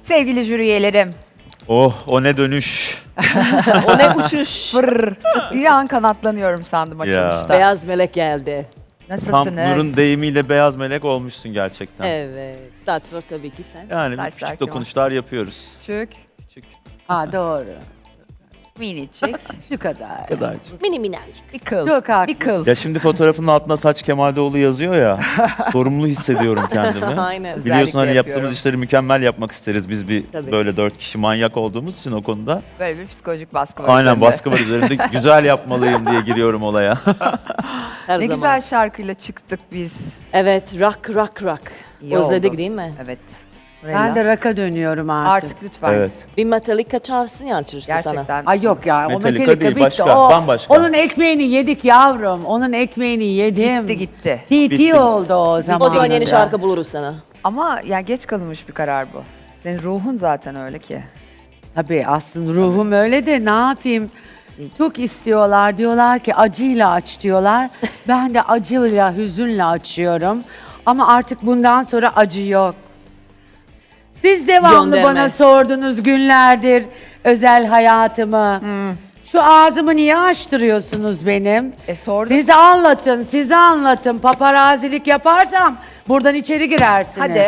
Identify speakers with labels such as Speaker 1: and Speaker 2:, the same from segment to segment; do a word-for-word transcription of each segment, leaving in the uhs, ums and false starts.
Speaker 1: Sevgili jüri üyelerim.
Speaker 2: Oh, o ne dönüş.
Speaker 3: O ne uçuş.
Speaker 1: Fırr. Bir an kanatlanıyorum sandım açılışta.
Speaker 3: Beyaz melek geldi.
Speaker 2: Tam
Speaker 1: Nasılsınız?
Speaker 2: Nur'un deyimiyle beyaz melek olmuşsun gerçekten.
Speaker 3: Evet. Saçlar tabii ki sen.
Speaker 2: Yani
Speaker 1: Saçlar
Speaker 2: küçük
Speaker 1: Kemal.
Speaker 2: dokunuşlar yapıyoruz.
Speaker 1: Küçük,
Speaker 2: Küçük.
Speaker 4: Ha doğru.
Speaker 1: minicik,
Speaker 4: Şu kadar.
Speaker 2: Kadarcık.
Speaker 3: Mini minnacık.
Speaker 1: bir kıl.
Speaker 4: Çok haklısın.
Speaker 1: Bir kıl.
Speaker 2: Ya şimdi fotoğrafın altında Saç Kemal'doğlu yazıyor ya. Sorumlu hissediyorum kendimi.
Speaker 3: Aynen.
Speaker 1: Özellikle
Speaker 2: Biliyorsun hani
Speaker 1: yapıyorum.
Speaker 2: yaptığımız işleri mükemmel yapmak isteriz. Biz bir
Speaker 3: Tabii.
Speaker 2: böyle dört kişi manyak olduğumuz için o konuda.
Speaker 1: Böyle bir psikolojik baskı var.
Speaker 2: Aynen
Speaker 1: üzerinde.
Speaker 2: baskı var üzerimde. Güzel yapmalıyım diye giriyorum olaya.
Speaker 3: Her
Speaker 1: Ne
Speaker 3: zaman.
Speaker 1: güzel şarkıyla çıktık biz.
Speaker 3: Evet. Rock rock rock.
Speaker 1: İyi
Speaker 3: Özledik
Speaker 1: oldu.
Speaker 3: değil mi?
Speaker 1: Evet.
Speaker 4: Ben de rock'a dönüyorum artık.
Speaker 1: Artık lütfen.
Speaker 2: Evet.
Speaker 3: Bir Metallica çağırsın ya açırsın sana.
Speaker 1: Gerçekten.
Speaker 4: Ay yok ya.
Speaker 2: Metallica
Speaker 4: o Metallica
Speaker 2: değil,
Speaker 4: bitti.
Speaker 2: başka,
Speaker 4: o,
Speaker 2: bambaşka.
Speaker 4: Onun ekmeğini yedik yavrum. Onun ekmeğini yedim.
Speaker 1: Gitti gitti.
Speaker 4: T
Speaker 2: Bitti.
Speaker 4: T oldu o zaman.
Speaker 3: O zaman yeni şarkı buluruz sana.
Speaker 1: Ama ya geç kalınmış bir karar bu. Senin ruhun zaten öyle ki.
Speaker 4: Tabii aslında ruhum öyle de ne yapayım? Çok istiyorlar. Diyorlar ki acıyla aç diyorlar. Ben de acıyla, hüzünle açıyorum. Ama artık bundan sonra acı yok. Siz devamlı
Speaker 3: Gönderme.
Speaker 4: bana sordunuz günlerdir özel hayatımı. Şu ağzımı niye açtırıyorsunuz benim?
Speaker 1: E sordum.
Speaker 4: Siz anlatın, size anlatın. Paparazilik yaparsam buradan içeri girersiniz.
Speaker 1: Hadi.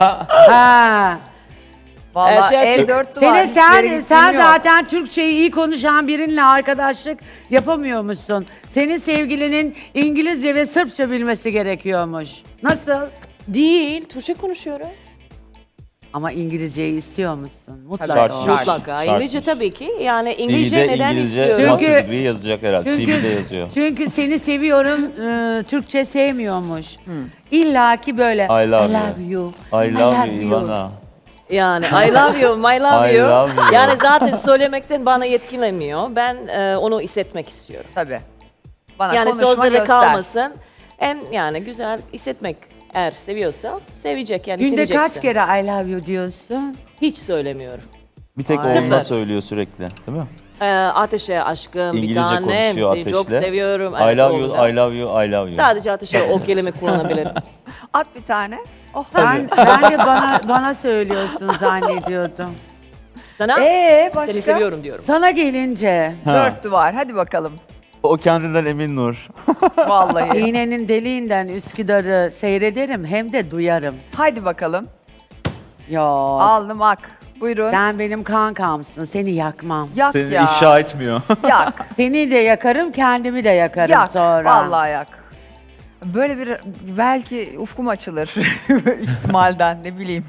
Speaker 4: Ha.
Speaker 1: Vallahi
Speaker 3: Ee, şey-
Speaker 1: ev dört duvar.
Speaker 4: Seni
Speaker 1: hiçbir yere
Speaker 4: sen
Speaker 1: gittiğim
Speaker 4: sen
Speaker 1: yok.
Speaker 4: zaten Türkçeyi iyi konuşan birinle arkadaşlık yapamıyormuşsun. Senin sevgilinin İngilizce ve Sırpça bilmesi gerekiyormuş. Nasıl?
Speaker 3: Değil. Türkçe konuşuyorum.
Speaker 4: Ama İngilizceyi istiyor musun? Mutlaka.
Speaker 1: Şart,
Speaker 4: o.
Speaker 1: şart.
Speaker 3: Mutlaka. İngilizce tabii ki. Yani İngilizce
Speaker 2: C V'de
Speaker 3: neden
Speaker 2: İngilizce
Speaker 3: istiyorum?
Speaker 4: Çünkü-
Speaker 2: master degree yazacak herhalde. C V'de yazıyor.
Speaker 4: çünkü seni seviyorum, e, Türkçe sevmiyormuş. İlla ki böyle.
Speaker 2: I love
Speaker 4: you.
Speaker 2: I love you Ivana.
Speaker 3: Yani I love you, my love
Speaker 2: I
Speaker 3: you.
Speaker 2: love you.
Speaker 3: Yani zaten söylemekten bana yetkilemiyor. Ben e, onu hissetmek istiyorum.
Speaker 1: Tabii. Bana
Speaker 3: Yani
Speaker 1: konuşma
Speaker 3: sözlere
Speaker 1: göster.
Speaker 3: kalmasın. Hem yani güzel hissetmek, eğer seviyorsa sevecek yani
Speaker 4: Günde
Speaker 3: seveceksin.
Speaker 4: kaç kere I love you diyorsun?
Speaker 3: Hiç söylemiyorum.
Speaker 2: Bir tek
Speaker 1: Ay.
Speaker 2: onunla söylüyor sürekli, değil mi?
Speaker 3: Ee, ateşe aşkım, bir
Speaker 2: İngilizce
Speaker 3: tanem,
Speaker 2: konuşuyor
Speaker 3: seni çok
Speaker 2: Ateş'le.
Speaker 3: seviyorum.
Speaker 2: I
Speaker 3: Evet,
Speaker 2: love
Speaker 3: oldu.
Speaker 2: you, I love you, I love you.
Speaker 3: Sadece ateşe o kelime kullanabilirim.
Speaker 1: At bir tane. Oh.
Speaker 4: Ben, ben de bana bana söylüyorsun zannediyordum.
Speaker 3: Sana
Speaker 1: Ee başka?
Speaker 3: seni seviyorum diyorum.
Speaker 4: Sana gelince
Speaker 2: Ha.
Speaker 1: Dört duvar. Hadi bakalım.
Speaker 2: O kendinden emin Nur.
Speaker 1: Vallahi.
Speaker 4: iğnenin deliğinden Üsküdar'ı seyrederim hem de duyarım.
Speaker 1: Hadi bakalım.
Speaker 4: Yok.
Speaker 1: Alnım ak. Buyurun.
Speaker 4: Sen benim kankamsın. Seni yakmam.
Speaker 1: Yak
Speaker 2: Seni
Speaker 1: ya.
Speaker 2: ifşa etmiyor.
Speaker 1: Yak.
Speaker 4: Seni de yakarım, kendimi de yakarım
Speaker 1: Yak.
Speaker 4: sonra.
Speaker 1: Vallahi yak. Böyle bir belki ufkum açılır ihtimalden ne bileyim.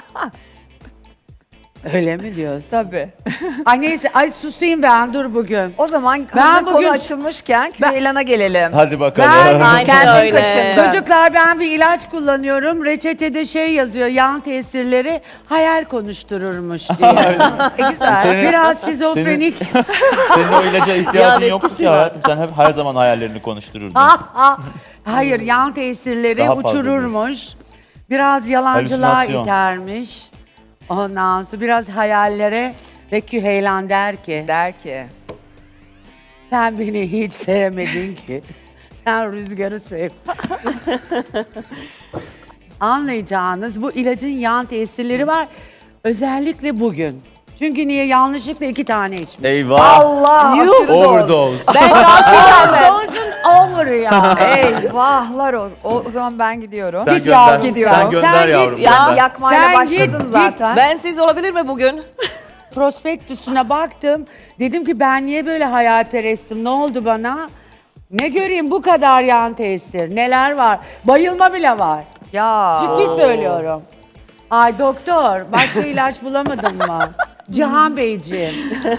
Speaker 4: Öyle mi diyorsun?
Speaker 1: Tabii.
Speaker 4: Ay neyse, ay susayım ben dur bugün.
Speaker 1: O zaman
Speaker 4: Ben
Speaker 1: hazır konu
Speaker 4: bugün-
Speaker 1: açılmışken Küheylan'a gelelim.
Speaker 2: Hadi bakalım.
Speaker 4: Ben-
Speaker 3: Aynen
Speaker 1: Kendin
Speaker 3: öyle.
Speaker 1: kaşındın.
Speaker 4: Çocuklar ben bir ilaç kullanıyorum. Reçetede şey yazıyor, yan tesirleri hayal konuştururmuş diye.
Speaker 1: E, güzel.
Speaker 2: Senin-
Speaker 4: Biraz şizofrenik.
Speaker 2: Senin o ilaca ihtiyacın
Speaker 3: Yani
Speaker 2: yoktu
Speaker 3: etkisi
Speaker 2: ki
Speaker 3: var.
Speaker 2: hayatım. Sen hep her zaman hayallerini konuştururdun.
Speaker 4: Ah, ah. Hayır, yan tesirleri
Speaker 2: Daha fazla
Speaker 4: uçururmuş. Biraz yalancılığa
Speaker 2: Halüsinasyon.
Speaker 4: itermiş. Ondan sonra biraz hayallere ve Küheylan der ki
Speaker 1: Der ki.
Speaker 4: sen beni hiç sevmedin ki. Sen rüzgarı sev. Anlayacağınız bu ilacın yan tesirleri var. Özellikle bugün. Çünkü niye yanlışlıkla iki tane içmiş.
Speaker 2: Eyvah.
Speaker 1: Allah aşırı doz.
Speaker 2: Overdose.
Speaker 3: Ben kalkıyorum ben.
Speaker 4: Dose'un over ya.
Speaker 1: Eyvahlar o. O, o zaman ben gidiyorum.
Speaker 2: Sen
Speaker 4: Git
Speaker 2: gönder,
Speaker 4: yavrum,
Speaker 1: gidiyorum.
Speaker 2: sen gönder
Speaker 4: Sen git,
Speaker 2: yavrum.
Speaker 3: ya.
Speaker 2: gönder.
Speaker 1: Yakmayla
Speaker 4: Sen
Speaker 1: başladın
Speaker 4: git,
Speaker 1: zaten.
Speaker 3: Ben siz olabilir mi bugün?
Speaker 4: Prospektüsüne baktım. Dedim ki ben niye böyle hayalperestim? Ne oldu bana? Ne göreyim bu kadar yan tesir. Neler var? Bayılma bile var.
Speaker 1: Ya.
Speaker 4: Ciddi söylüyorum. Ay doktor, başka ilaç bulamadın mı? Cihan Beyciğim.